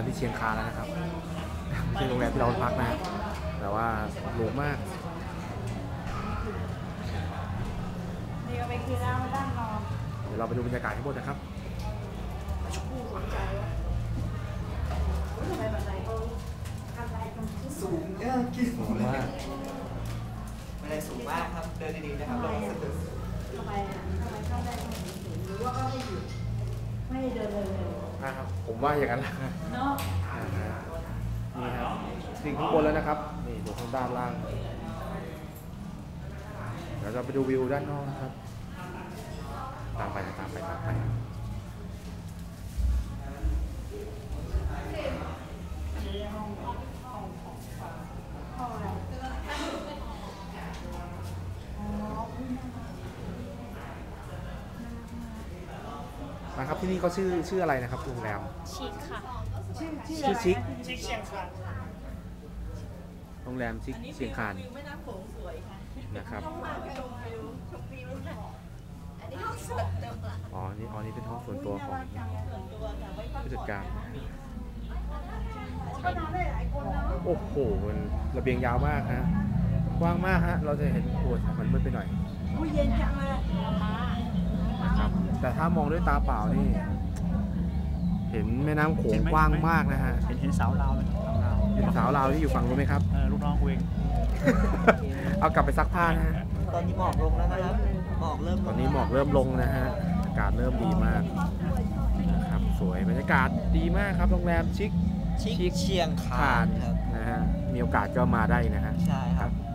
ที่เชียงคานแล้วนะครับที่โรงแรมที่เราพักนะแต่ว่าหรูมากนี่ก็ไปกินน้ำมาด้านนอนเดี๋ยวเราไปดูบรรยากาศทั้งหมดนะครับสูงกินสูงมากไม่ได้สูงมากครับเดินดีๆนะครับลงสะดุดทำไมเข้าได้ตรงนี้หรือว่าก็ไม่หยุดไม่เดินเลยนะครับผมว่าอย่างนั้นแหละเนาะนี่ครับสิ่งข้างบนแล้วนะครับนี่ดูข้างด้านล่างเดี๋ยวเราไปดูวิวด้านนอกนะครับตามไปนะครับที่นี่เขาชื่ออะไรนะครับโรงแรมชิคค่ะชื่อชิคเชียงคานโรงแรมชิคเชียงคานนะครับอ๋อนี่เป็นห้องส่วนตัวของผู้จัดการโอ้โหมันระเบียงยาวมากฮะกว้างมากฮะเราจะเห็นโอ้มันมืดไปหน่อยเย็นจังเลยนะครับแต่ถ้ามองด้วยตาเปล่านี่เห็นแม่น้ำโขงกว้างมากนะฮะเห็นสาวลาวไหมเห็นสาวลาวที่อยู่ฝั่งนู้นไหมครับลูกน้องกูเองเอากลับไปซักผ้านะฮะตอนนี้หมอกลงแล้วนะครับตอนนี้หมอกเริ่มลงนะฮะอากาศเริ่มดีมากนะครับสวยบรรยากาศดีมากครับโรงแรมชิคเชียงคานนะฮะมีโอกาสก็มาได้นะฮะใช่ครับ